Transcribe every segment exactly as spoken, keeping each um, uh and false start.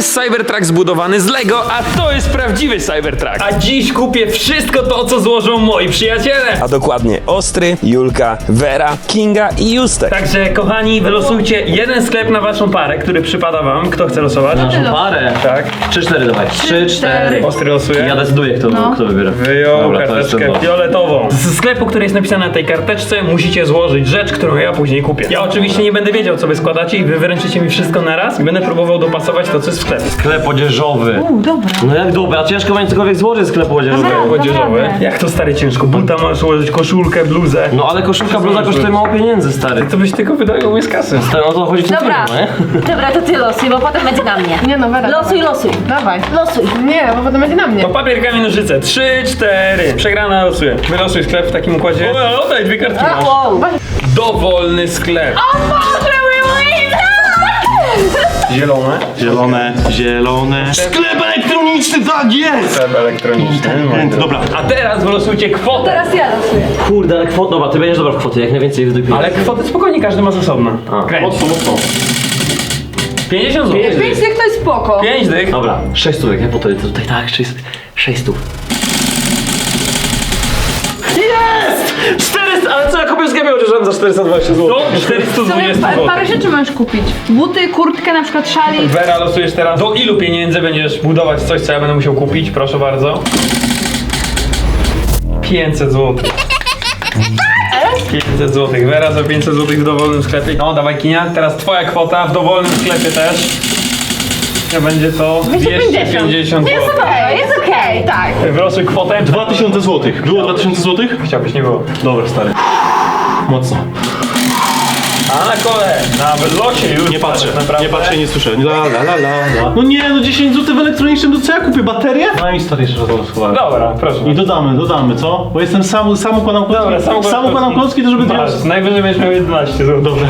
jest Cybertruck zbudowany z Lego, a to jest prawdziwy Cybertruck. A dziś kupię wszystko to, co złożą moi przyjaciele. A dokładnie Ostry, Julka, Vera, Kinga i Justek. Także kochani, wylosujcie jeden sklep na waszą parę, który przypada wam. Kto chce losować? Naszą parę. Tak. trzy cztery dawaj. trzy cztery. Ostry losuje. Ja decyduję, kto, No. kto wybiera. Wyjął Dobra, to jest karteczkę to. fioletową. Z sklepu, który jest napisany na tej karteczce, musicie złożyć rzecz, którą ja później kupię. Ja oczywiście nie będę wiedział, co wy składacie i wy wyręczycie mi wszystko na raz i będę próbował dopasować to, co jest w sklepie. Sklep odzieżowy. U, dobra. No jak dobra, ciężko będzie cokolwiek złożyć z sklepu odzieżowego. Dobra. Odzieżowy. Naprawdę. Jak to stary ciężko? Buta masz ułożyć, koszulkę, bluzę. No ale koszulka, bluza kosztuje mało pieniędzy, stary. To byś tylko wydał mnie z kasy. Stary, no to chodzi w tym Dobra. filmie, nie? Dobra, to ty losuj, bo potem będzie na mnie. Nie no, Wera. Losuj, dawaj. losuj. Dawaj. Losuj. Nie, bo potem będzie na mnie. To papier, kamień, nożyce. Trzy, cztery. Przegrana losuje. Wylosuj sklep w takim układzie. O, oddaj, dwie kartki masz. Wow. Dowolny sklep. O Boże, Zielone. Zielone, zielone. Sklep elektroniczny, tak jest! Sklep elektroniczny. Dobra. A teraz wylosujcie kwotę. Teraz ja losuję. Kurde, ale kwota, dobra, ty będziesz dobra w kwoty, jak najwięcej wydupisz. Ale kwotę spokojnie, każdy ma z osobna. Kręć. Mocno, mocno. pięćdziesiąt złotych. Pięć dych to jest spoko. pięć dych. Dobra, sześć stówek, nie? Po to, to tutaj tak, sześć, sześć stów. Jest! czterysta, ale co ja kupię z gębie odzieżowym za czterysta dwadzieścia złotych? To czterysta dwadzieścia Pa- złotych. Parę rzeczy możesz kupić. Buty, kurtkę, na przykład szalik. Wera, losujesz teraz. Do ilu pieniędzy będziesz budować coś, co ja będę musiał kupić? Proszę bardzo. pięćset złotych. pięćset złotych. Wera za pięćset złotych w dowolnym sklepie. No, dawaj Kinia. Teraz twoja kwota w dowolnym sklepie też. To będzie to dwieście pięćdziesiąt Jest złotych. okej, jest okej, tak. Wylosuj kwotę. dwa tysiące złotych. Było dwa tysiące złotych? Chciałbyś, nie było. Dobra, stary. Mocno. A na kole, na wylocie już. Nie patrzę, naprawdę. nie patrzę, nie słyszę. La, la, la, la, la. No nie, no dziesięć złotych w elektronicznym, to co ja kupię? Baterię? No i stary, jeszcze raz to schowałem. Dobra, proszę. I dodamy, dodamy, co? Bo jestem sam, sam układam klocki. Dobra, sam układam sam układam klocki. klocki, to żeby Masz, teraz... najwyżej będziesz miał jedenaście złotych. Dobrze.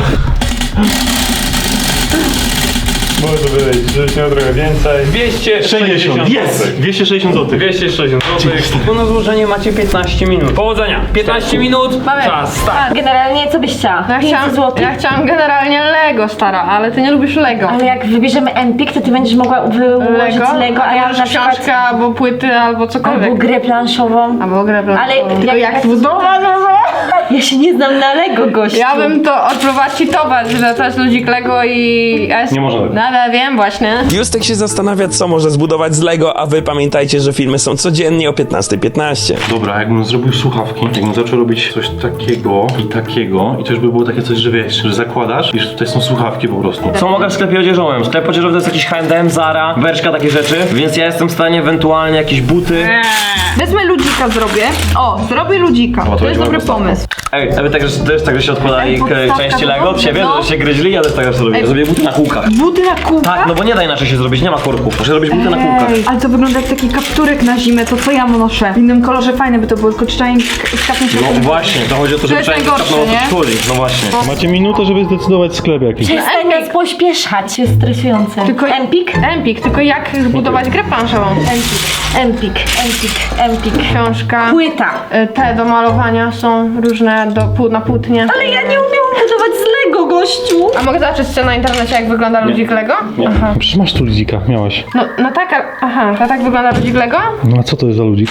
Może być, żebyś miał trochę więcej. dwieście sześćdziesiąt Jest! złotych. dwieście sześćdziesiąt złotych. dwieście sześćdziesiąt złotych. Tu na złożenie macie piętnaście minut. Powodzenia. piętnaście minut. Mamy. Czas, start. Generalnie co byś chciała? Ja pięćset chciałam, złotych? ja chciałam generalnie Lego, stara, ale ty nie lubisz Lego. Ale jak wybierzemy Empik, to ty będziesz mogła wyłożyć Lego? Lego, a ja może na przykład... książkę, albo płyty, albo cokolwiek. Albo grę planszową. Albo grę planszową. Ale Tylko jak- jak zbudować? Ja się nie znam na Lego, gościu. Ja bym to odpróbować cheatować, że to jest ludzik Lego i... ja jest- Nie można tak. No ale wiem właśnie. Justek się zastanawia, co może zbudować z Lego, a wy pamiętajcie, że filmy są codziennie o piętnasta piętnaście. Dobra, jakbym zrobił słuchawki, jakbym zaczął robić coś takiego i takiego i to już by było takie coś, że wiesz, że zakładasz i że tutaj są słuchawki po prostu. Co mogę w sklepie odzieżowym? Sklep odzieżowy to jest jakiś H and M, Zara, Bershka, takie rzeczy, więc ja jestem w stanie ewentualnie jakieś buty. Wezmę ludzika zrobię. O, zrobię ludzika. to To jest będzie dobry ładna pomysł. Ej, a wy tak, że to jest tak, że się odkładali Ej, k- podstawka części to Lego od dobrze, siebie, no. że się gryźli, ja też tak zawsze robię. Ej. Zrobię buty na kółkach. Buty na kółkach? Tak, no bo nie da inaczej się zrobić, nie ma korków. Muszę robić buty na kółkach. Ej, ale to wygląda jak taki kapturek na zimę, to co ja noszę. W innym kolorze fajne by to było, tylko trzeba skapnąć się. No właśnie, to chodzi o to, żeby jest przynajmniej najgorsze, kapnął nie? od szkoli. No właśnie. Macie minutę, żeby zdecydować sklep jakiś. Przestań nas pośpieszać, jest stresujące. Tylko Empik? Empik, tylko jak zbudować grę planszową? Empik, Empik, Empik. Książka. Płyta. Y, Te do malowania są różne do, pół- na płótnie. Ale ja nie umiem budować z Lego, gościu. A mogę zobaczyć co na internecie, jak wygląda ludzik Lego? Aha. Przecież masz tu ludzika, miałaś. No, no tak, a- aha, to tak wygląda ludzik Lego? No a co to jest za ludzik?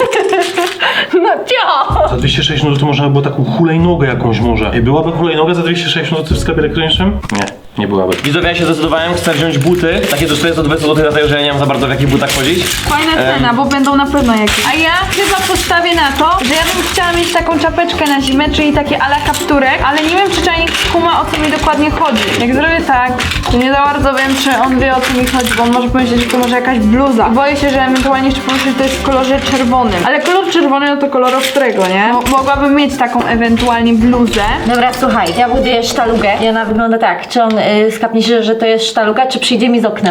No cio! Za dwieście sześćdziesiąt złotych można by było taką hulajnogę jakąś może. Ej, byłaby hulajnoga za dwieście sześćdziesiąt złotych w sklepie elektronicznym? Nie, nie byłaby. Widzowie, ja się zdecydowałem, chcę wziąć buty, takie do czterysta dwadzieścia złotych, dlatego że ja nie wiem za bardzo w jakich butach chodzić. Fajna cena, bo będą na pewno jakieś. A ja chyba postawię na to, że ja bym chciała mieć taką czapeczkę na zimę, czyli takie ala kapturek, ale nie wiem, czy czajnik kuma, o co mi dokładnie chodzi. Jak zrobię tak, to nie za bardzo wiem, czy on wie, o co mi chodzi, bo on może pomyśleć, że to może jakaś bluza. I boję się, że ewentualnie jeszcze pomyśleć, że to jest w kolorze czerwonym. Ale kolor czerwony, no to kolor ostrego, nie? Mo- mogłabym mieć taką ewentualnie bluzę. Dobra, słuchaj, ja buduję sztalugę i ona wygląda tak. Czy on y, skapnie się, że to jest sztaluga, czy przyjdzie mi z oknem?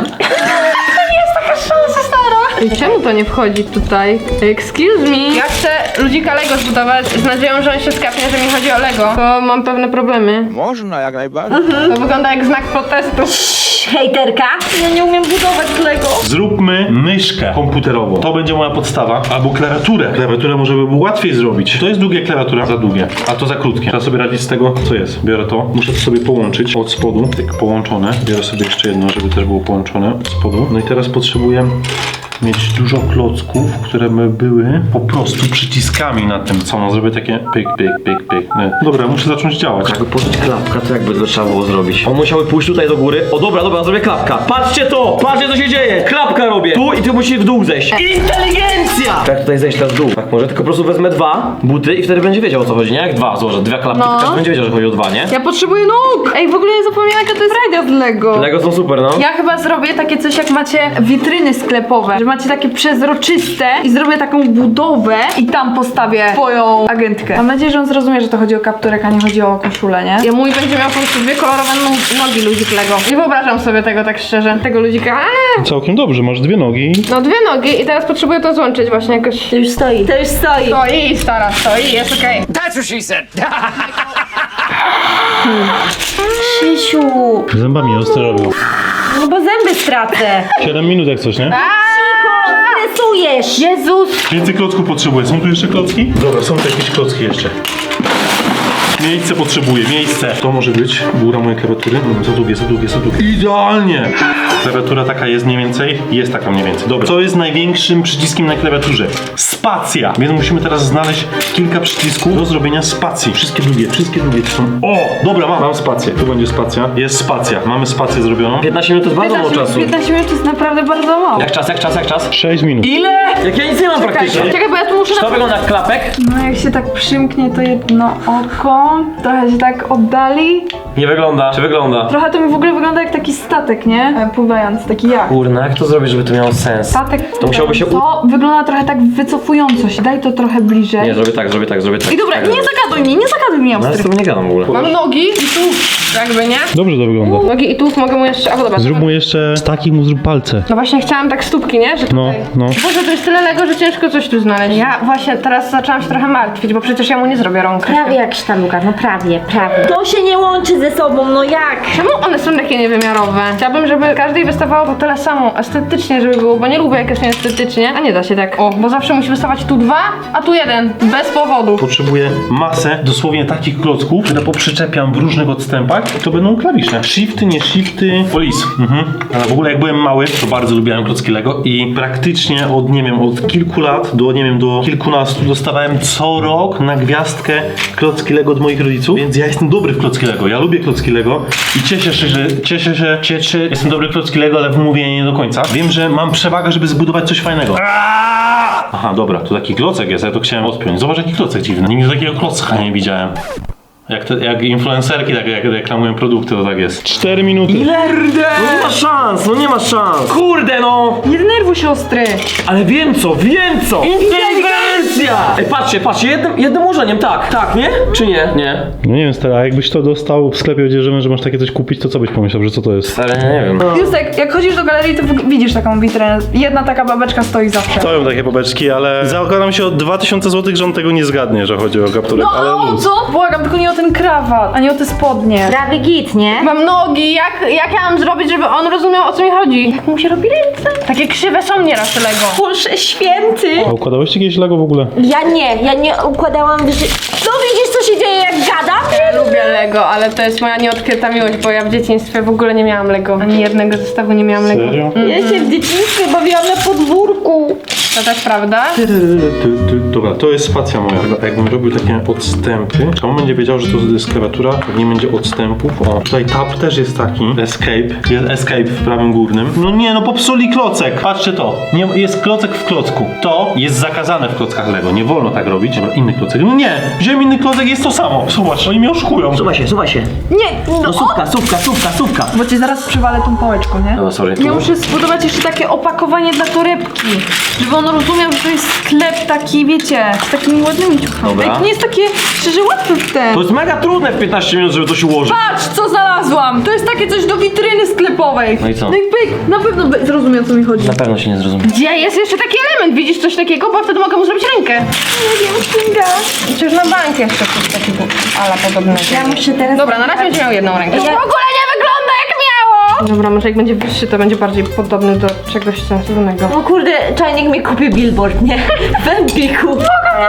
I czemu to nie wchodzi tutaj? Excuse me. Ja chcę ludzika Lego zbudować z nadzieją, że on się skapnie, że mi chodzi o Lego, bo mam pewne problemy. Można, jak najbardziej. To wygląda jak znak protestu. Hejterka? Ja nie umiem budować z Lego. Zróbmy myszkę komputerową. To będzie moja podstawa. Albo klawiaturę. Klawiaturę może by było łatwiej zrobić. To jest długie klawiatura, za długie, a to za krótkie. Trzeba sobie radzić z tego, co jest. Biorę to, muszę to sobie połączyć od spodu, tak połączone. Biorę sobie jeszcze jedno, żeby też było połączone od spodu. No i teraz potrzebuję mieć dużo klocków, które by były po prostu przyciskami na tym. Co, no zrobię takie pyk, pyk, pyk, pyk. Nie. Dobra, muszę zacząć działać. Jakby położyć klapka, to jakby to trzeba było zrobić. On musiałby pójść tutaj do góry. O dobra, dobra, zrobię klapka. Patrzcie to! Patrzcie co się dzieje! Klapka robię! Tu i ty musisz w dół zejść. Inteligencja! Jak tutaj zejść teraz w dół? Tak może, tylko po prostu wezmę dwa buty i wtedy będzie wiedział o co chodzi, nie? Jak dwa złożę, dwie klapki, No. to każdy będzie wiedział, że chodzi o dwa, nie? Ja potrzebuję nóg! Ej, w ogóle zapomniałam jaka to jest rajda z Lego. Lego są super, no. Ja chyba zrobię takie coś jak macie witryny sklepowe, że macie takie przezroczyste i zrobię taką budowę i tam postawię twoją agentkę. Mam nadzieję, że on zrozumie, że to chodzi o kapturek, a nie chodzi o koszulę, nie? Ja mój będzie miał po prostu dwie kolorowe no- nogi ludzik Lego. Nie wyobrażam sobie tego tak szczerze. Tego ludzika. Aaa! Całkiem dobrze, masz dwie nogi. No dwie nogi i teraz potrzebuję to złączyć właśnie jakoś. To już stoi, to już stoi. Stoi, stara, stoi, jest okej. Krzysiu, Zębami ostro robił. no bo zęby stracę. siedem minut jak coś, nie? Stresujesz. Jezus! Więcej klocków potrzebuję. Są tu jeszcze klocki? Dobra, są tu jakieś klocki jeszcze. Miejsce potrzebuję, miejsce. To może być góra mojej klawiatury. Mm, za długie, za długie, za długie. Idealnie! Klawiatura taka jest mniej więcej? Jest taka mniej więcej. Dobra. Co jest największym przyciskiem na klawiaturze? Spacja. Więc musimy teraz znaleźć kilka przycisków do zrobienia spacji. Wszystkie długie, wszystkie długie to są... O! Dobra, mam. Mam spację. Tu będzie spacja. Jest spacja. Mamy spację zrobioną. piętnaście minut to jest bardzo mało czasu. piętnaście minut to jest naprawdę bardzo mało. Jak czas, jak czas, jak czas? sześć minut. Ile? Jak ja nic nie mam praktycznie. Czekaj, bo ja tu muszę Czy to na... wygląda jak klapek? No jak się tak przymknie to jedno oko, trochę się tak oddali. Nie wygląda. Czy wygląda? Trochę to mi w ogóle wygląda jak taki statek, nie? E, Pływający, taki jak. Kurna, jak to zrobić, żeby to miało sens? Statek To musiałoby się u... To wygląda trochę tak wycofująco się, daj to trochę bliżej. Nie, zrobię tak, zrobię tak, zrobię tak. I dobra, tak nie zrobię. zagaduj mnie, nie zagaduj mnie, No ja z ostry. tobą nie gadam w ogóle. Mam nogi i tu jakby, nie? Dobrze to wygląda. Nogi i tu mogę mu jeszcze... A, dobra. Zrób mu jeszcze z takich mu zrób palce. No właśnie chciałam tak stópki, nie? Że No, tutaj... no. Boże, to jest tyle Lego, że ciężko coś tu znaleźć. Ja właśnie teraz zaczęłam się trochę martwić, bo przecież ja mu nie zrobię rąk. Prawie jak sztaluga, no prawie, prawie. To się nie łączy ze sobą, no jak? Czemu one są takie niewymiarowe? Chciałabym, żeby każdej wystawało to tyle samo, estetycznie żeby było, bo nie lubię jak jest nieestetycznie. A nie da się tak. O, bo zawsze musi wystawać tu dwa, a tu jeden. Bez powodu. Potrzebuję masę dosłownie takich klocków, które poprzyczepiam w różnych odstępach. To będą klawisze. Shifty, nie shifty, polis. Mhm. Ale w ogóle jak byłem mały, to bardzo lubiłem klocki Lego i praktycznie od, nie wiem, od kilku lat do, nie wiem, do kilkunastu dostawałem co rok na gwiazdkę klocki Lego od moich rodziców, więc ja jestem dobry w klocki Lego. Ja lubię klocki Lego i cieszę się, że cieszę się, cieszę, jestem dobry w klocki Lego, ale w mówieniu nie do końca. Wiem, że mam przewagę, żeby zbudować coś fajnego. Aha, dobra, tu taki klocek jest, ja to chciałem odpiąć. Zobacz, jaki klocek dziwny. Nigdy takiego klocka nie widziałem. Jak, te, jak influencerki tak jak reklamują produkty, to tak jest. cztery minuty. Kurde! No nie ma szans, no nie ma szans. Kurde no! Nie denerwuj się, ostry. Ale wiem co, wiem co! Inteligencja! Ej, patrzcie, patrzcie, jednym, jednym ułożeniem, tak, tak, nie? Czy nie? Nie. No nie wiem, stary, a jakbyś to dostał w sklepie odzieżowym, że masz takie coś kupić, to co byś pomyślał, że co to jest? Stary, nie wiem. Justek, jak chodzisz do galerii, to w- widzisz taką witrynę. Jedna taka babeczka stoi zawsze. Stoją takie babeczki, ale zakładam się o dwa tysiące złotych, że on tego nie zgadnie, że chodzi o kapturek, No ale a o luz. co? Błagam, tylko nie o ten krawat, a nie o te spodnie. Prawie git, nie? Mam nogi, jak, jak ja mam zrobić, żeby on rozumiał o co mi chodzi? Jak mu się robi ręce? Takie krzywe są nieraz Lego. Boże święty. A układałeś jakieś Lego w ogóle? Ja nie, ja nie układałam w ży... No widzisz, co się dzieje, jak gadam? Ja lubię Lego, ale to jest moja nieodkryta miłość, bo ja w dzieciństwie w ogóle nie miałam Lego. Ani jednego zestawu nie miałam Lego. Serio? Ja się w dzieciństwie bawiłam na podwórku. To też prawda? Ty, ty, dobra, to jest spacja moja. Chyba jakbym robił takie odstępy, to on będzie wiedział, że to jest klawiatura, nie będzie odstępów. O, tutaj tab też jest taki. Escape. Jest escape w prawym górnym. No nie, no popsuli klocek. Patrzcie to. Nie, jest klocek w klocku. To jest zakazane w klockach Lego. Nie wolno tak robić. Dobra, inny klocek. No nie, wziąłem inny klocek, jest to samo. Zobacz, oni mnie oszukują. Słuchaj się, słuchaj się. Nie, no No sówka, sówka, sówka, sówka. bo cię zaraz przywalę tą pałeczką, nie? No sorry. Ja muszę zbudować jeszcze takie opakowanie dla torebki, żeby on rozumiał, że to jest sklep taki, wiecie, z takimi ładnymi ciuchami. Dobra. Tak nie jest takie, szczerze, łatwe w ten. To jest mega trudne w piętnaście minut, żeby to się ułożyć. Patrz, co znalazłam! To jest takie coś do witryny sklepowej. No i co? No i pyk, na pewno be- zrozumie, o co mi chodzi. Na pewno się nie zrozumie. Gdzie jest jeszcze taki element? Widzisz coś takiego? Bo wtedy mogę mu zrobić rękę. Nie wiem, Kinga. Przecież na bank jeszcze coś takiego ala podobnego. Ja muszę teraz... Dobra, na razie będzie miał jedną rękę. To w Ja- ogóle nie wygląda jak miało! Dobra, może jak będzie wyższy, to będzie bardziej podobny do czegoś sensownego. No kurde, czajnik mi kupi billboard, nie? W Empiku.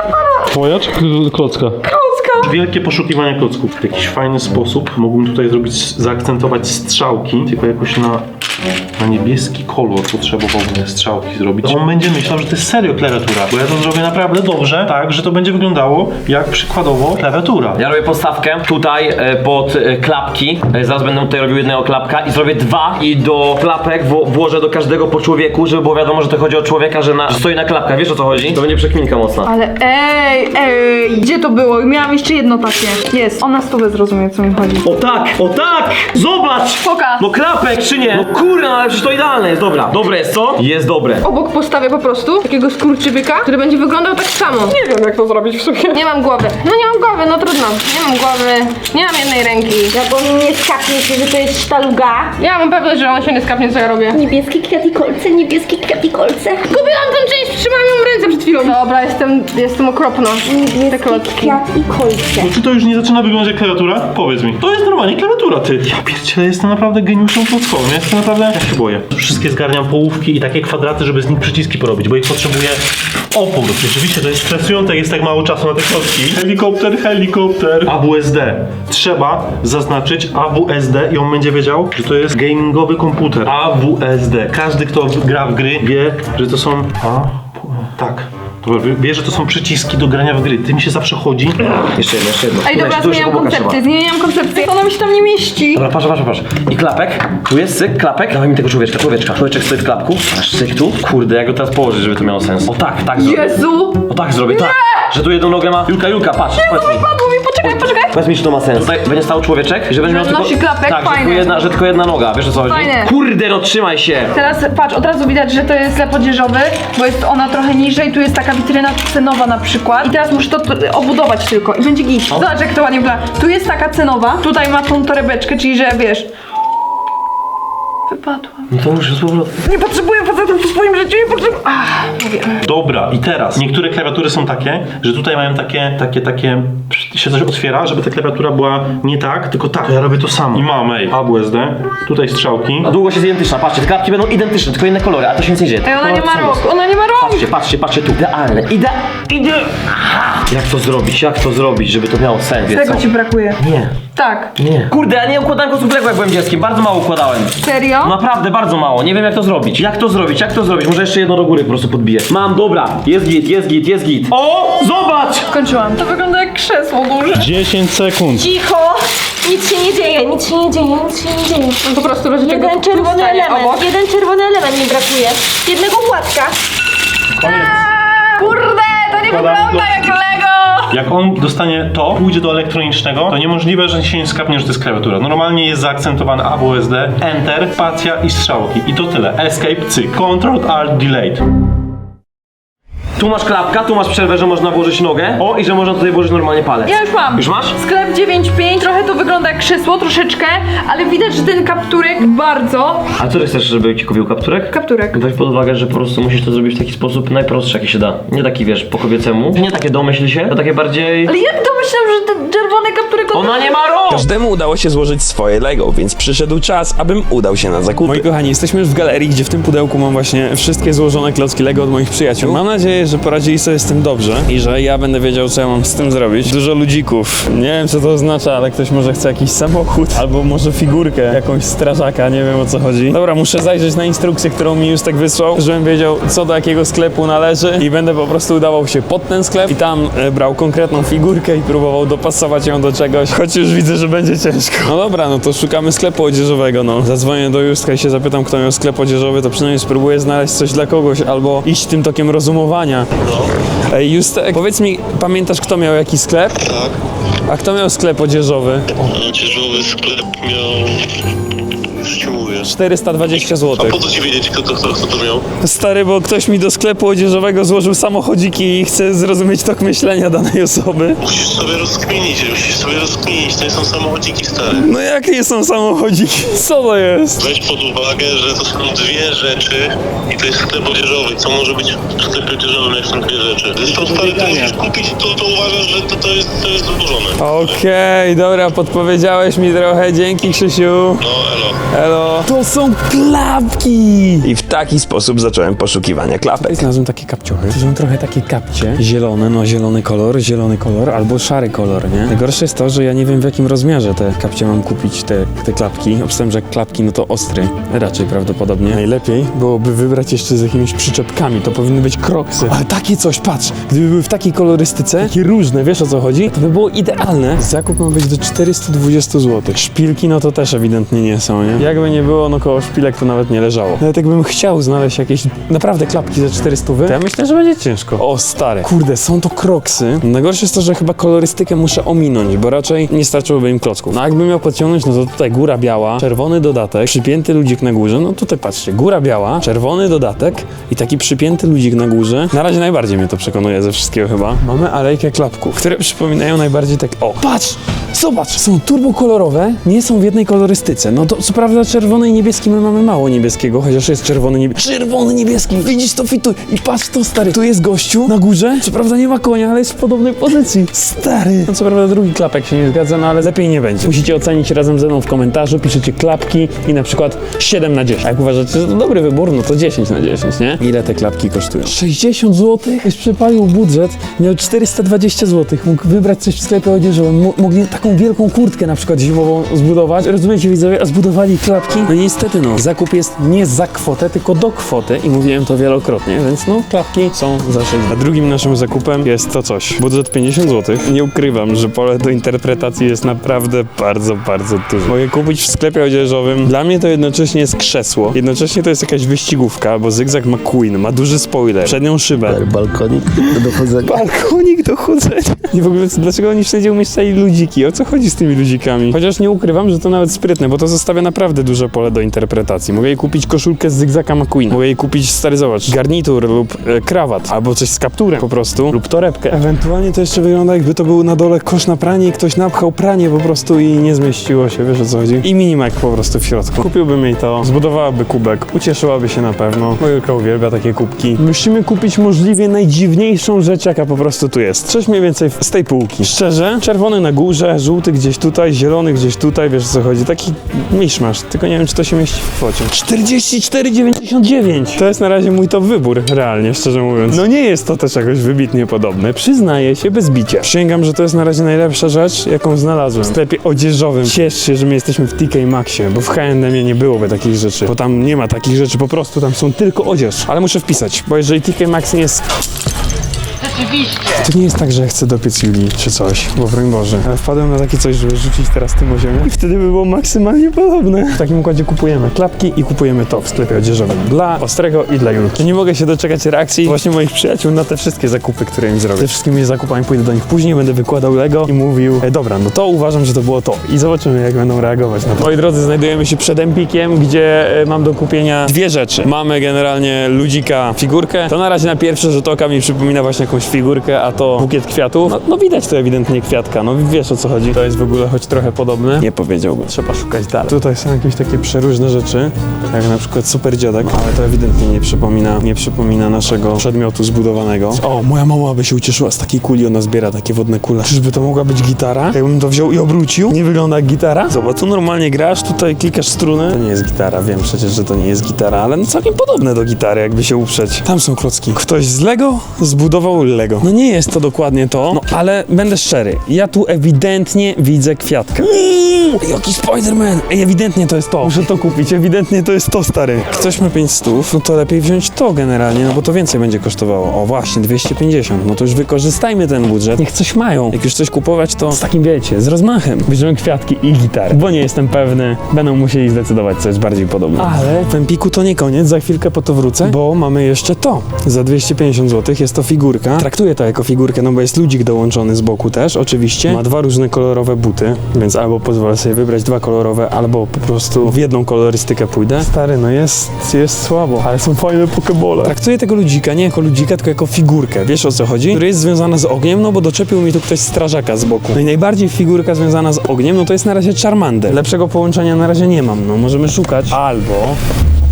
Twoja czy klocka? Klocka! Wielkie poszukiwanie klocków. W jakiś fajny sposób mógłbym tutaj zrobić, zaakcentować strzałki, tylko jakoś na, na niebieski kolor potrzebowałbym strzałki zrobić. On będzie myślał, że to jest serio klawiatura, bo ja to zrobię naprawdę dobrze, tak, że to będzie wyglądało jak przykładowo klawiatura. Ja robię podstawkę tutaj e, pod e, klapki. E, zaraz będę tutaj robił jednego klapka i zrobię dwa i do klapek wło włożę do każdego po człowieku, żeby było wiadomo, że to chodzi o człowieka, że, na, że stoi na klapkach. Wiesz o co chodzi? To będzie przekminka mocna. Ale ej, ej, gdzie to było? Miałam jeszcze jedno takie. Jest, ona stówę zrozumie, o co mi chodzi. O tak, o tak! Zobacz! Pokaż. No klapek czy nie? No kurna, ale przecież to idealne jest. Dobra, dobre jest co? Jest dobre. Obok postawię po prostu takiego skurczybyka, który będzie wyglądał tak samo. Nie wiem jak to zrobić w sumie. Nie mam głowy. No nie mam głowy, no trudno. Nie mam głowy, nie mam jednej ręki. Ja bo mi nie skapnie się, że to jest sztaluga. Ja mam pewność, że on się nie skapnie, co ja robię. Niebieski kwiat i kolce, niebieski kwiat i kolce. Gubiłam tę część, trzymałam ją w ręce przed chwilą. Dobra, jestem, jestem okropna. Te klocki. Kwiat i kolce. No czy to już nie zaczyna wyglądać jak klawiatura? Powiedz mi. To jest normalnie klawiatura, ty. Ja pierdzielę, jestem naprawdę geniuszem klockowym. Ja jestem naprawdę... Ja się boję. Wszystkie zgarniam połówki i takie kwadraty, żeby z nich przyciski porobić, bo ich potrzebuję o po prostu. Rzeczywiście to jest stresujące, jak jest tak mało czasu na te klocki. Helikopter, helikopter. A W S D. Trzeba zaznaczyć A W S D i on będzie wiedział, że to jest gamingowy komputer. A W S D. Każdy, kto gra w gry, wie, że to są... A... Tak. Dobra, wie, że to są przyciski do grania w gry. Tym się zawsze chodzi. Jeszcze jedno, jeszcze jedno. Ej, dobra, Weź, tu jeszcze zmieniam kubka koncepcję, trzeba. zmieniam koncepcję. Ona mi się tam nie mieści. Dobra, patrz, patrz, patrz. I klapek. Tu jest syk, klapek. Dawaj mi tego człowieczka, człowieczka. Człowieczek stoi w klapku. Masz syk tu. Kurde, jak go teraz położyć, żeby to miało sens. O tak, tak zrobię. Jezu! O tak zrobię, tak. Że tu jedną nogę ma. Julka, Julka, patrz. Powiedz mi. Padło mi, poczekaj, poczekaj. Powiedz mi, czy to ma sens. Tutaj będzie stał człowieczek i że będzie miał Że tylko... nosi klapek, tak, że fajne. tylko, jedna, że tylko jedna noga. Wiesz o co chodzi? Fajne. Kurde, no trzymaj się. Teraz patrz, od razu widać, że to jest sklep odzieżowy, bo jest ona trochę niżej, tu jest taka witryna cenowa na przykład. I teraz muszę to t- obudować tylko i będzie git. Zobacz, jak to ładnie wygląda. Tu jest taka cenowa, tutaj ma tą torebeczkę, czyli że wiesz... Wypadłam. No to już z powrotem. Nie potrzebuję facetów w swoim życiu, nie potrzebuję... Ach, mówię. Dobra, i teraz niektóre klawiatury są takie, że tutaj mają takie, takie, takie, się coś otwiera, żeby ta klawiatura była nie tak, tylko tak. Ja robię to samo. I mam, ej, A W S D, tutaj strzałki. A długość jest identyczna, patrzcie, te klapki będą identyczne, tylko inne kolory, a to się nic nie dzieje. Ej, ona nie ma Kolory są rąk, ona nie ma rąk! Patrzcie, patrzcie, patrzcie tu. Idealne, ide... ide... Aha. Jak to zrobić, jak to zrobić, żeby to miało sens, wiesz Tego co? ci brakuje. Nie, Tak. nie. Kurde, ja nie układałem kosmetyku jak byłem dzieckiem, bardzo mało układałem. Serio? Naprawdę bardzo mało, nie wiem jak to zrobić. Jak to zrobić, jak to zrobić? Może jeszcze jedno do góry po prostu podbiję. Mam, dobra, jest git, jest git, jest git. O, zobacz! Skończyłam. To wygląda jak krzesło duże. dziesięć sekund. Cicho! Nic się nie dzieje, nic się nie dzieje, nic się nie dzieje. On po prostu leży tego Jeden tu czerwony stanie element, obok. jeden czerwony element mi brakuje. Jednego płatka. Kurde, to nie wygląda jak Lego! Jak on dostanie to, pójdzie do elektronicznego, to niemożliwe, że się nie skapnie, że to jest klawiatura. Normalnie jest zaakcentowane A W S D, Enter, spacja i strzałki. I to tyle. Escape, cyk. Control, Alt, Delete. Tu masz klapka, tu masz przerwę, że można włożyć nogę. O, i że można tutaj włożyć normalnie palec. Ja już mam. Już masz? Sklep dziewięć pięć, trochę to wygląda jak krzesło, troszeczkę, ale widać, że ten kapturek bardzo... A co ty chcesz, żeby ci kupił kapturek? Kapturek. Weź pod uwagę, że po prostu musisz to zrobić w taki sposób najprostszy, jaki się da. Nie taki, wiesz, po kobiecemu. Nie takie domyśl się, to takie bardziej... Ale jak domyślam, że ten czerwony kapturek... Ona nie ma rąk! Każdemu udało się złożyć swoje Lego, więc przyszedł czas, abym udał się na zakupy. Moi kochani, jesteśmy już w galerii, gdzie w tym pudełku mam właśnie wszystkie złożone klocki Lego od moich przyjaciół. Mam nadzieję, że poradzili sobie z tym dobrze i że ja będę wiedział, co ja mam z tym zrobić. Dużo ludzików. Nie wiem, co to oznacza, ale ktoś może chce jakiś samochód albo może figurkę, jakąś strażaka, nie wiem, o co chodzi. Dobra, muszę zajrzeć na instrukcję, którą mi Justek wysłał, żebym wiedział, co do jakiego sklepu należy i będę po prostu udawał się pod ten sklep i tam e, brał konkretną figurkę i próbował dopasować ją do czegoś, choć już widzę, że będzie ciężko. No dobra, no to szukamy sklepu odzieżowego, no. Zadzwonię do Justka i się zapytam, kto miał sklep odzieżowy, to przynajmniej spróbuję znaleźć coś dla kogoś albo iść tym tokiem rozumowania. Ej, Justek, powiedz mi, pamiętasz, kto miał jaki sklep? Tak. A kto miał sklep odzieżowy? Odzieżowy sklep miał... Już ci mówię. czterysta dwadzieścia A złotych. po co ci wiedzieć, kto to, kto, kto to miał? Stary, bo ktoś mi do sklepu odzieżowego złożył samochodziki i chce zrozumieć tok myślenia danej osoby. Musisz sobie rozkminić, musisz sobie rozkminić. To nie są samochodziki stare. No jakie są samochodziki? Co to jest? Weź pod uwagę, że to są dwie rzeczy i to jest sklep odzieżowy. Co może być w sklepie odzieżowym, jak są dwie rzeczy? Zresztą stary, ty musisz kupić to, to uważasz, że to, to jest, to jest złożone. Okej, dobra, podpowiedziałeś mi trochę, dzięki Krzysiu. No elo. Elo. To są klapki! I w taki sposób zacząłem poszukiwania klapek. Znalazłem takie kapciuchy. To są trochę takie kapcie. Zielone, no zielony kolor, zielony kolor albo szary kolor, nie? Najgorsze jest to, że ja nie wiem w jakim rozmiarze te kapcie mam kupić, te, te klapki. Obstałem, że klapki no to ostry. Raczej prawdopodobnie. Najlepiej byłoby wybrać jeszcze z jakimiś przyczepkami. To powinny być kroksy. Ale takie coś, patrz, gdyby były w takiej kolorystyce, takie różne, wiesz o co chodzi? To by było idealne. Zakup ma być do czterysta dwadzieścia złotych. Szpilki no to też ewidentnie nie są, nie? Jakby nie było, no koło szpilek to nawet nie leżało. Nawet jakbym chciał znaleźć jakieś naprawdę klapki za czterysta, to ja myślę, że będzie ciężko. O stary. Kurde, są to kroksy. Najgorsze jest to, że chyba kolorystykę muszę ominąć, bo raczej nie starczyłoby im klocków. No a jakbym miał podciągnąć, no to tutaj góra biała, czerwony dodatek, przypięty ludzik na górze, no tutaj patrzcie, góra biała, czerwony dodatek i taki przypięty ludzik na górze. Na razie najbardziej mnie to przekonuje ze wszystkiego chyba. Mamy alejkę klapków, które przypominają najbardziej tak, o, patrz! Zobacz, są turbokolorowe, nie są w jednej kolorystyce. No to co prawda czerwony i niebieski my mamy mało niebieskiego, chociaż jest czerwony niebieski. Czerwony niebieski, widzisz to fituj. I patrz to stary, tu jest gościu na górze, co prawda nie ma konia, ale jest w podobnej pozycji. Stary. No co prawda drugi klapek się nie zgadza, no ale lepiej nie będzie. Musicie ocenić razem ze mną w komentarzu, piszecie klapki i na przykład siedem na dziesięć. A jak uważacie, że to dobry wybór, no to dziesięć na dziesięć, nie? Ile te klapki kosztują? sześćdziesiąt złotych? Już przepalił budżet, miał czterysta dwadzieścia złotych, mógł wybrać coś w sklepie odzieżowym, M- mogli taką wielką kurtkę na przykład zimową zbudować. Rozumiecie widzowie, a zbudowali klapki? No niestety no, zakup jest nie za kwotę, tylko do kwoty i mówiłem to wielokrotnie, więc no klapki są za sześć. A drugim naszym zakupem jest to coś. Budżet pięćdziesiąt złotych. Nie ukrywam, że pole do interpretacji jest naprawdę bardzo, bardzo duże. Mogę kupić w sklepie odzieżowym. Dla mnie to jednocześnie jest krzesło. Jednocześnie to jest jakaś wyścigówka, bo Zygzak McQueen ma duży spoiler, przednią szybę. Balkonik do chodzenia. Balkonik do chodzenia. I w ogóle dlaczego oni wszędzie umieszczali ludziki? O co chodzi z tymi ludzikami? Chociaż nie ukrywam, że to nawet sprytne, bo to zostawia naprawdę duże pole do interpretacji. Mogę jej kupić koszulkę z Zygzaka McQueen. Mogę jej kupić, stary zobacz, garnitur lub e, krawat, albo coś z kapturem po prostu, lub torebkę. Ewentualnie to jeszcze wygląda, jakby to był na dole kosz na pranie i ktoś napchał pranie po prostu i nie zmieściło się, wiesz o co chodzi? I minimak po prostu w środku. Kupiłbym jej to, zbudowałaby kubek, ucieszyłaby się na pewno. Moja uwielbia takie kubki. Musimy kupić możliwie najdziwniejszą rzecz, jaka po prostu tu jest. Coś mniej więcej z tej półki. Szczerze, czerwony na górze, żółty gdzieś tutaj, zielony gdzieś tutaj, wiesz o co chodzi. Taki miszmasz, tylko nie wiem, czy to się mieści w kwocie. czterdzieści cztery dziewięćdziesiąt dziewięć. To jest na razie mój top wybór, realnie, szczerze mówiąc. No nie jest to też jakoś wybitnie podobne. Przyznaję się bez bicia. Przysięgam, że to jest na razie najlepsza rzecz, jaką znalazłem w sklepie odzieżowym. Ciesz się, że my jesteśmy w T K Maxie, bo w H and M nie byłoby takich rzeczy, bo tam nie ma takich rzeczy, po prostu tam są tylko odzież. Ale muszę wpisać, bo jeżeli T K Maxx nie jest... Rzeczywiście. To nie jest tak, że chcę dopiec Julii czy coś, bo broń Boże. Ale wpadłem na takie coś, żeby rzucić teraz tym o ziemię i wtedy by było maksymalnie podobne. W takim układzie kupujemy klapki i kupujemy to w sklepie odzieżowym. Dla Ostrego i dla Julki. Nie mogę się doczekać reakcji właśnie moich przyjaciół na te wszystkie zakupy, które im zrobię. Ze wszystkimi zakupami pójdę do nich później, będę wykładał Lego i mówił, e, dobra, no to uważam, że to było to. I zobaczymy, jak będą reagować na to. Moi drodzy, znajdujemy się przed Empikiem, gdzie e, mam do kupienia dwie rzeczy. Mamy generalnie ludzika figurkę. To na razie na pierwszy rzut oka mi przypomina właśnie jakąś figurkę, a to bukiet kwiatów. No, no widać to ewidentnie kwiatka, no wiesz o co chodzi. To jest w ogóle choć trochę podobne. Nie powiedziałbym, trzeba szukać dalej. Tutaj są jakieś takie przeróżne rzeczy, jak na przykład super dziadek, ale to ewidentnie nie przypomina, nie przypomina naszego przedmiotu zbudowanego. O, moja mama by się ucieszyła z takiej kuli, ona zbiera takie wodne kule. Czyżby to mogła być gitara? Jakbym to wziął i obrócił, nie wygląda jak gitara? Zobacz, tu normalnie grasz, tutaj klikasz struny. To nie jest gitara, wiem przecież, że to nie jest gitara, ale no całkiem podobne do gitary, jakby się uprzeć. Tam są klocki. Ktoś z Lego zbudował Lego. No nie jest to dokładnie to, no ale będę szczery, ja tu ewidentnie widzę kwiatkę. Uuu, jaki Spider-Man! Ej, ewidentnie to jest to. Muszę to kupić, ewidentnie to jest to, stary. Ktoś ma pięć stów, no to lepiej wziąć to generalnie, no bo to więcej będzie kosztowało. O właśnie, dwieście pięćdziesiąt, no to już wykorzystajmy ten budżet. Niech coś mają. Jak już coś kupować, to z takim, wiecie, z rozmachem. Bierzemy kwiatki i gitarę, bo nie jestem pewny, będą musieli zdecydować, co jest bardziej podobne. Ale w Empiku to nie koniec, za chwilkę po to wrócę, bo mamy jeszcze to. Za dwieście pięćdziesiąt złotych jest to figurka. Traktuję to jako figurkę, no bo jest ludzik dołączony z boku też, oczywiście. Ma dwa różne kolorowe buty, więc albo pozwolę sobie wybrać dwa kolorowe, albo po prostu w jedną kolorystykę pójdę. Stary, no jest, jest słabo, ale są fajne pokebole. Traktuję tego ludzika nie jako ludzika, tylko jako figurkę. Wiesz o co chodzi? Który jest związana z ogniem, no bo doczepił mi tu ktoś strażaka z boku. No i najbardziej figurka związana z ogniem, no to jest na razie Charmander. Lepszego połączenia na razie nie mam, no możemy szukać. Albo...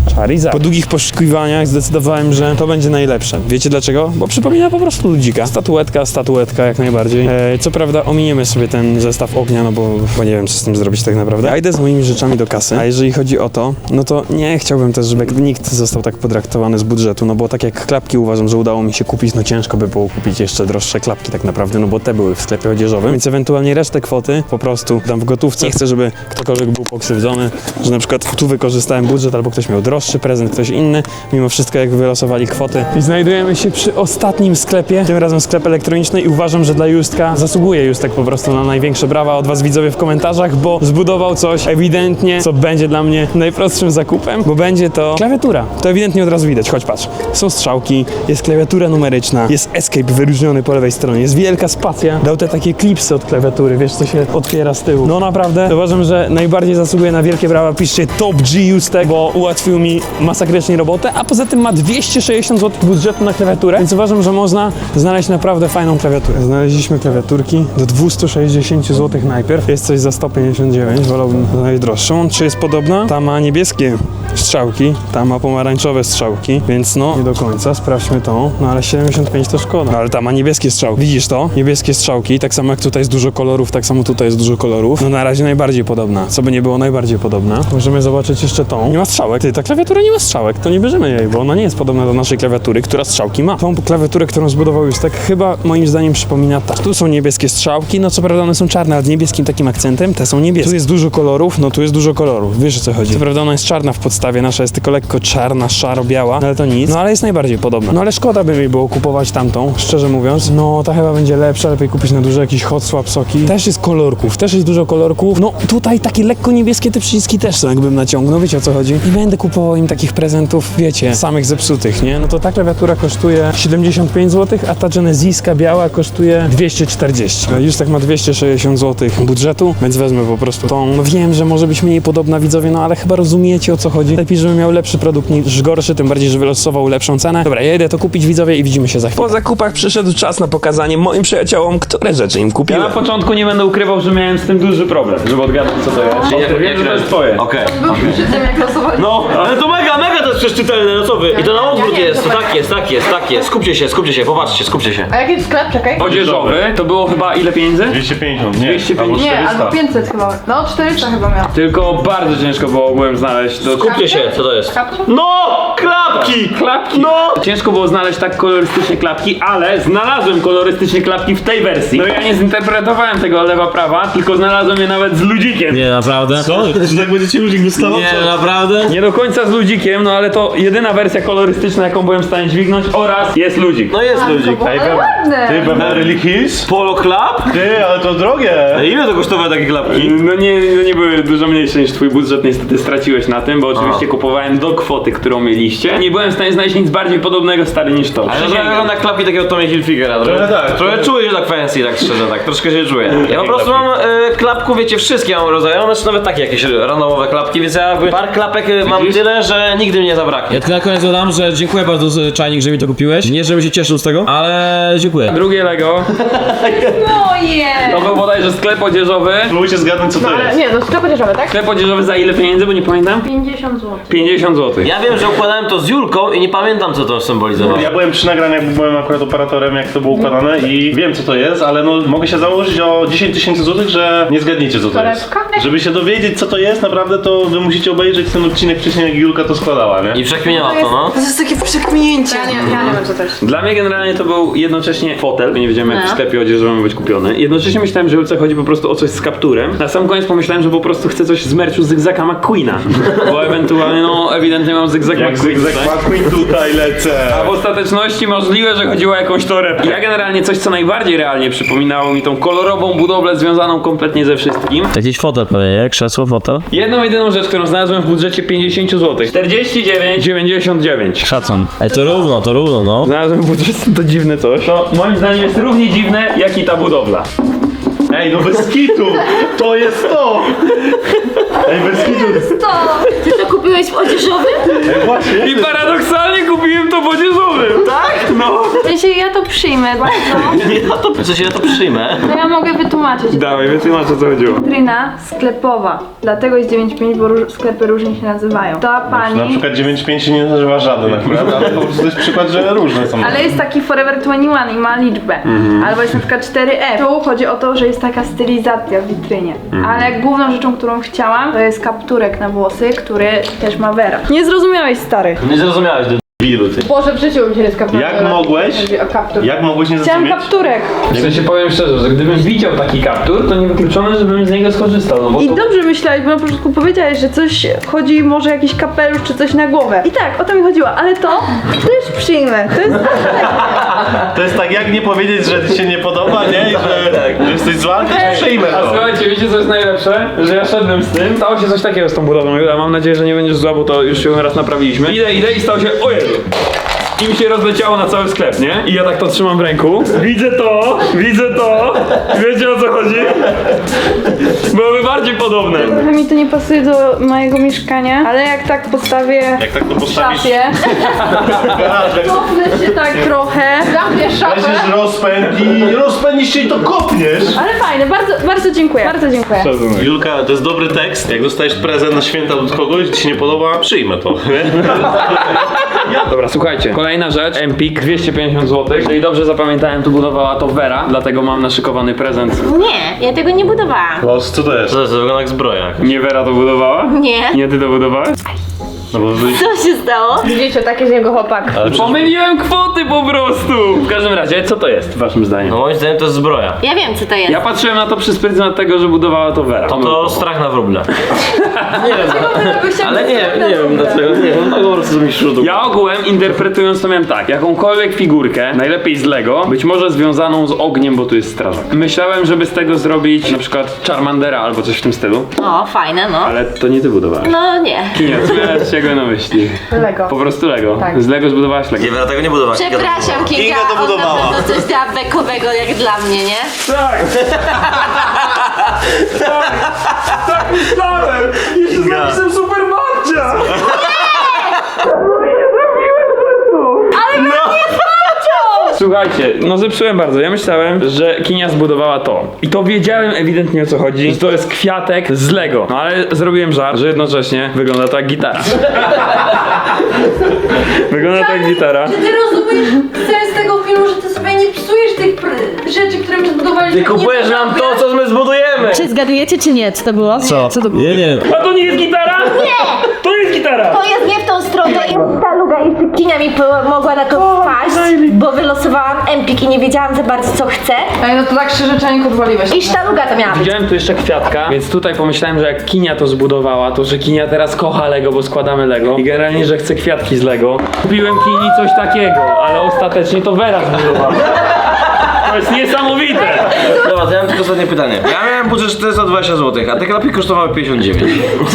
Charizard. Po długich poszukiwaniach zdecydowałem, że to będzie najlepsze. Wiecie dlaczego? Bo przypomina po prostu ludzika. Statuetka, statuetka jak najbardziej. E, co prawda ominiemy sobie ten zestaw ognia, no bo, bo nie wiem co z tym zrobić tak naprawdę. Ja idę z moimi rzeczami do kasy, a jeżeli chodzi o to, no to nie chciałbym też, żeby nikt został tak potraktowany z budżetu, no bo tak jak klapki uważam, że udało mi się kupić, no ciężko by było kupić jeszcze droższe klapki tak naprawdę, no bo te były w sklepie odzieżowym, więc ewentualnie resztę kwoty po prostu dam w gotówce. Nie chcę, żeby ktokolwiek był pokrzywdzony, że na przykład tu wykorzystałem budżet, albo ktoś miał droższy prezent, ktoś inny, mimo wszystko jak wylosowali kwoty. I znajdujemy się przy ostatnim sklepie, tym razem sklep elektroniczny i uważam, że dla Justka zasługuje Justek po prostu na największe brawa od was widzowie w komentarzach, bo zbudował coś ewidentnie, co będzie dla mnie najprostszym zakupem, bo będzie to klawiatura. To ewidentnie od razu widać, chodź patrz. Są strzałki, jest klawiatura numeryczna, jest escape wyróżniony po lewej stronie, jest wielka spacja, dał te takie klipsy od klawiatury, wiesz co się otwiera z tyłu. No naprawdę, uważam, że najbardziej zasługuje na wielkie brawa, piszcie Top G Justek, bo ułatwił mi masakrycznie robotę, a poza tym ma dwieście sześćdziesiąt złotych budżetu na klawiaturę, więc uważam, że można znaleźć naprawdę fajną klawiaturę. Znaleźliśmy klawiaturki do dwieście sześćdziesiąt złotych najpierw, jest coś za sto pięćdziesiąt dziewięć, wolałbym najdroższą. Czy jest podobna? Ta ma niebieskie strzałki, ta ma pomarańczowe strzałki, więc no nie do końca, sprawdźmy tą, no ale siedemdziesiąt pięć to szkoda, no, ale ta ma niebieskie strzałki, widzisz to? Niebieskie strzałki, tak samo jak tutaj jest dużo kolorów, tak samo tutaj jest dużo kolorów, no na razie najbardziej podobna, co by nie było najbardziej podobna. Możemy zobaczyć jeszcze tą, nie ma strzałek, ty, ta klawiatura nie ma strzałek, to nie bierzemy jej, bo ona nie jest podobna do naszej klawiatury, która strzałki ma. Tą klawiaturę, którą zbudował już tak chyba moim zdaniem przypomina ta. Tu są niebieskie strzałki, no co prawda one są czarne, ale z niebieskim takim akcentem, te są niebieskie. Tu jest dużo kolorów, no tu jest dużo kolorów, wiesz o co chodzi. Co prawda ona jest czarna w podstawie, nasza jest tylko lekko czarna, szaro-biała, ale to nic, no ale jest najbardziej podobna. No ale szkoda by mi było kupować tamtą, szczerze mówiąc, no ta chyba będzie lepsza, lepiej kupić na duże jakieś hot swap soki. Też jest kolorków, też jest dużo kolorków, no tutaj takie lekko niebieskie te przyciski też są, jakbym naciągnął, wiecie o co chodzi. I będę kupował im takich prezentów, wiecie, samych zepsutych, nie? No to ta klawiatura kosztuje siedemdziesiąt pięć złotych, a ta Geneziska biała kosztuje dwieście czterdzieści. Już tak ma dwieście sześćdziesiąt złotych budżetu, więc wezmę po prostu tą. No wiem, że może być mniej podobna widzowie, no ale chyba rozumiecie o co chodzi. Lepiej, żebym miał lepszy produkt niż gorszy, tym bardziej, że wylosował lepszą cenę. Dobra, ja idę to kupić widzowie i widzimy się za chwilę. Po zakupach przyszedł czas na pokazanie moim przyjaciołom, które rzeczy im Ja kupiłem. na początku nie będę ukrywał, że miałem z tym duży problem, żeby odgadnąć co to jest. Bo wiem, że to jest twoje. Okej. Był przy tym jak losowali. No, ale to mega, mega to jest przecież czytelne, no co wy? I to na odwrót jest, to tak jest, tak jest, tak jest. Skupcie się, skupcie się, popatrzcie, skupcie się. A jaki jest sklep? Czekaj. Odzieżowy, to było chyba ile pieniędzy? dwieście pięćdziesiąt, nie? dwieście Albo pięćdziesiąt. Nie, czterysta. albo pięćset chyba. No czterysta chyba miał. Tylko bardzo ciężko było ogółem znaleźć to. Skupcie się, co to jest? Kaptur? No! Klapki! Klapki! No! Ciężko było znaleźć tak kolorystycznie klapki, ale znalazłem kolorystycznie klapki w tej wersji. No ja nie zinterpretowałem tego lewa-prawa, tylko znalazłem je nawet z ludzikiem. Nie, naprawdę? Co? Czy tak będziecie ludzi dostawał? Nie, naprawdę? Nie do końca z ludzikiem, no ale to jedyna wersja kolorystyczna, jaką byłem w stanie dźwignąć oraz jest ludzik. No jest ludzik. Ale ładne. Ty, Beverly Hills? Polo klap? Ty, ale to drogie! Ile to kosztowały takie klapki? No nie, no nie były dużo mniejsze niż twój budżet, niestety straciłeś na tym, bo oczywiście Aha. kupowałem do kwoty, którą mieliście. Nie byłem w stanie znaleźć nic bardziej podobnego stary niż to. Ale to Przysięgam. wygląda jak klapki takiego Tommy Hilfigera. Trochę tak, Trochę trochę. czuję się tak fancy, tak szczerze, tak troszkę się czuję. Ja po prostu mam e, klapków, wiecie, wszystkie mam rodzaje, one są nawet takie jakieś randomowe klapki, więc ja jakby par klapek e, mam tyle, że nigdy mi nie zabraknie. Ja tylko na koniec dodam, że dziękuję bardzo z- Czajnik, że mi to kupiłeś. Nie, żebym się cieszył z tego, ale dziękuję. Drugie Lego, Moje! to był bodajże sklep odzieżowy. Spróbujcie zgadnąć co to Ale jest. nie, no sklep odzieżowy, tak? Sklep odzieżowy za ile pieniędzy, bo nie pamiętam? pięćdziesiąt złotych. pięćdziesiąt złotych. Ja wiem, że układałem to z Julką i nie pamiętam co to symbolizowało. Ja byłem przy nagraniach, bo byłem akurat operatorem, jak to było układane i wiem co to jest, ale no mogę się założyć o dziesięć tysięcy złotych, że nie zgadniecie co to jest. Torebka? Żeby się dowiedzieć co to jest, naprawdę to wy musicie obejrzeć ten odcinek wcześniej, jak Julka to składała, nie? I przekminiała to, no. To jest takie przekminięcie. Ja nie, ja nie wiem co to jest. Dla mnie generalnie to był jednocześnie fotel, bo nie wiedziałem jak w sklepie odzieżowym być kupiony. Jednocześnie myślałem, że Julce chodzi po prostu o coś z kapturem. Na sam koniec pomyślałem, że po prostu chcę coś z merchu Zygzaka McQueena. Bo ewentualnie, no ewidentnie mam Zygzak Jak McQueen. Zygzak tak? McQueen tutaj lecę. A w ostateczności możliwe, że chodziło o jakąś torebkę. Ja generalnie coś, co najbardziej realnie przypominało mi tą kolorową budowlę związaną kompletnie ze wszystkim. Jakiś fotel pewnie, nie? Krzesło, fotel? Jedną jedyną rzecz, którą znalazłem w budżecie pięćdziesiąt złotych. czterdzieści dziewięć dziewięćdziesiąt dziewięć. Szacun. Ej, to równo, to równo, no. Znalazłem budżet, to dziwne coś. To moim zdaniem jest równie dziwne, jak i ta budowla. Ej, no bez kitu! To jest to! Ej, bez kitu! To! Ty to kupiłeś w odzieżowym? Ej, właśnie. I paradoksalnie kupiłem to w odzieżowym. Tak? No. W sensie ja to przyjmę bardzo. Ja to, w sensie ja to przyjmę. To ja mogę wytłumaczyć. Dawaj, wytłumacz, o co chodziło. Witryna sklepowa. Dlatego jest dziewięć pięć, bo róż, sklepy różnie się nazywają. Ta pani... Na przykład dziewięć pięć się nie nazywa żaden akurat, ale po prostu to jest przykład, że różne są. Ale jest taki Forever dwadzieścia jeden i ma liczbę. Mhm. Albo jest na przykład cztery F. Tu chodzi o to, że jest taka stylizacja w witrynie. Mhm. Ale główną rzeczą, którą chciałam, to jest kapturek na włosy, który też ma Vera. Nie zrozumiałeś, stary. Nie zrozumiałeś, debilu ty. Boże, w życiu bym się nie skapnął. Jak mogłeś? Chodzi o kaptur. Jak mogłeś nie Chciałam zrozumieć? kapturek. W sensie powiem szczerze, że gdybym widział taki kaptur, to niewykluczone, żebym z niego skorzystał, no bo I to... dobrze myślałeś, bo na początku powiedziałeś, że coś chodzi, może jakiś kapelusz czy coś na głowę. I tak, o to mi chodziło, ale to też przyjmę. To jest To jest tak, jak nie powiedzieć, że ci się nie podoba, nie? I że, że jesteś zła, też przyjmę A to. słuchajcie, wiecie co jest najlepsze? Że ja szedłem z tym, stało się coś takiego z tą budową, ja mam nadzieję, że nie będziesz zła, bo to już się raz naprawiliśmy. Idę, idę i stało się, o Jezu! I mi się rozleciało na cały sklep, nie? I ja tak to trzymam w ręku. Widzę to, widzę to. Wiecie o co chodzi? Byłoby bardziej podobne. Trochę mi to nie pasuje do mojego mieszkania, ale jak tak postawię Jak tak to w postawisz? szafie, cofnę się tak trochę. Zamkniesz szafę. Weźmiesz rozpęd i rozpędzisz się i to kopniesz. Ale fajne, bardzo, bardzo dziękuję, bardzo dziękuję. Julka, to jest dobry tekst. Jak dostajesz prezent na święta od kogoś, ci się nie podoba, przyjmę to. Dobra, słuchajcie. Kolejna rzecz, Empik, dwieście pięćdziesiąt złotych. Jeżeli dobrze zapamiętałem, tu budowała to Vera, dlatego mam naszykowany prezent. Nie, ja tego nie budowałam. No, co to jest? To jest wygląda jak zbroja. Nie Vera to budowała? Nie. Nie ty to budowałeś? No bo wy... Co się stało? Widzicie, taki z niego chłopak. Ale przecież... Pomyliłem kwoty po prostu! W każdym razie, co to jest, waszym zdaniem? No moim zdaniem to jest zbroja. Ja wiem, co to jest. Ja patrzyłem na to przez pryzmat tego, że budowała to Vera. To, to strach na wróble. Nie wiem, Chciałam ale nie, nie wiem dlaczego, nie wiem, tak po prostu mi szło. Ja ogółem interpretując to miałem tak, jakąkolwiek figurkę, najlepiej z Lego, być może związaną z ogniem, bo tu jest strażak. Myślałem, żeby z tego zrobić na przykład Charmandera albo coś w tym stylu, O, fajne, no. ale to nie ty budowałeś. No nie. Nie, co miałeś czego na myśli? Lego. Po prostu Lego. Tak. Z Lego zbudowałaś Lego. Nie, Vera tego nie budowała. Przepraszam, Kinga, Kinga to on na budowała. pewno coś da bekowego jak dla mnie, nie? Tak! tak! Tak myślałem! Jeszcze z napisem Super Marcia! Słuchajcie, no zepsułem bardzo. Ja myślałem, że Kinia zbudowała to. I to wiedziałem ewidentnie o co chodzi, że to jest kwiatek z Lego. No ale zrobiłem żart, że jednocześnie wygląda to jak gitara. wygląda to jak gitara. Czy ty rozumiesz sens tego filmu, że ty sobie nie psujesz tych pr- rzeczy, które my zbudowaliśmy? Ty kupujesz nam to, co my zbudujemy! Czy zgadujecie, czy nie? Co to było? Co? Co to było? Nie, nie. A to nie jest gitara? Nie! To jest gitara! To jest nie w tą stronę, to jest ta luga. Jeszcze Kinia mi po- mogła na to wpaść, bo wylosowałam Empik i nie wiedziałam za bardzo co chcę. Ej, no to tak szczerze czanik odwaliłeś. I sztaluga to miała być. Widziałem tu jeszcze kwiatka, więc tutaj pomyślałem, że jak Kinia to zbudowała, to że Kinia teraz kocha Lego, bo składamy Lego i generalnie, że chce kwiatki z Lego. Kupiłem Kini coś takiego, ale ostatecznie to Vera zbudowała. To jest niesamowite! Dobra, to ja mam tylko ostatnie pytanie. Ja miałem budżet czterysta dwadzieścia złotych, a te klapki kosztowały pięćdziesiąt dziewięć.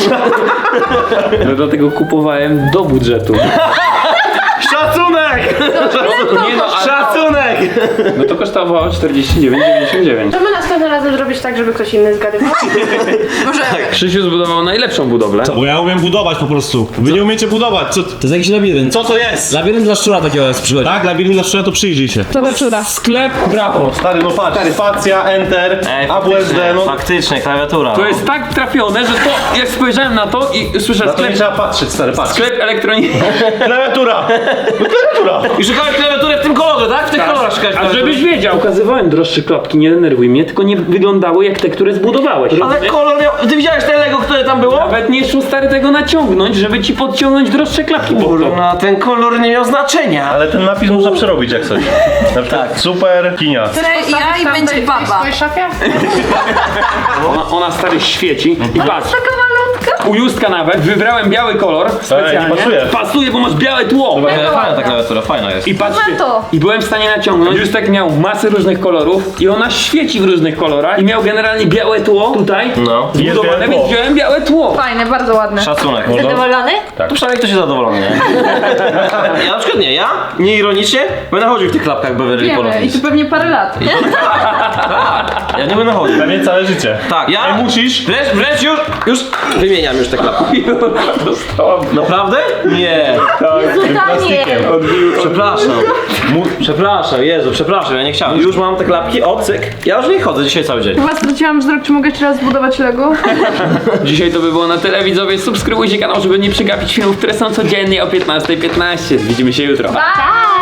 No dlatego kupowałem do budżetu. Szacunek! Nie no, ale, Szacunek! no to kosztowało czterdzieści dziewięć dziewięćdziesiąt dziewięć. Możemy następnym razem zrobić tak, żeby ktoś inny zgadywał? Krzysiu zbudował najlepszą budowlę. Bo ja umiem budować po prostu. Wy nie umiecie budować. Co, To jest jakiś labirynt. co to jest? Labirynt dla szczura takiego jest przychodzi. Tak, labirynt dla szczura to przyjrzyj się. Sklep, brawo. Stary, no patrz, spacja, enter, Ej, A W S D, faktycznie, no. faktycznie, klawiatura. To no. jest tak trafione, że to jak spojrzałem na to i słyszę Na to nie sklep, trzeba patrzeć, stary, patrz. sklep elektroniczny. Klawiatura! No klawiatura! I szukałeś klawiatury w tym kolorze, tak? W tych kolorach szukałeś A klawiatury. żebyś wiedział, ukazywałem droższe klapki, nie denerwuj mnie, tylko nie wyglądały jak te, które zbudowałeś. Ale rozumiesz? kolor miał... Ty widziałeś te Lego, które tam było? Nawet nie szło stary tego naciągnąć, żeby ci podciągnąć droższe klapki pod to. Kurna, ten kolor nie miał znaczenia. Ale ten napis można przerobić jak coś. Na przykład super kinia. Ja i będzie W baba. swojej szafie? Ona, ona stary świeci i patrz. Taka malutka. U Justka nawet wybrałem biały kolor specjalnie. nie pasuje. Pasuje, bo masz białe tło. E, fajna ta klawiatura, fajna jest. I patrzcie, Ma to. i byłem w stanie naciągnąć. Justek miał masę różnych kolorów i ona świeci w różnych kolorach i miał generalnie białe tło tutaj. No. Zbudowane, białe więc tło. wziąłem białe tło. Fajne, bardzo ładne. Szacunek. Zadowolony? To przynajmniej ktoś jest zadowolony, nie? Ja na przykład nie, ja nie ironicznie będę chodził w tych klapkach Beverly Wiemy, i Polonis. tu pewnie parę lat. Ja nie będę chodził. Dla mnie całe życie. Tak, ja Ej, musisz. wręcz, wręcz już, już wymieniam. zmieniam już te klapki. Naprawdę? Nie. Zudanie. Przepraszam. Mu- przepraszam, Jezu, przepraszam, ja nie chciałem. Już mam te klapki, o cyk. Ja już nie chodzę dzisiaj cały dzień. Chyba straciłam wzrok, czy mogę jeszcze raz zbudować Lego? Dzisiaj to by było na tyle, widzowie. Subskrybujcie kanał, żeby nie przegapić filmów, które są codziennie o piętnastej piętnaście. Widzimy się jutro. Pa!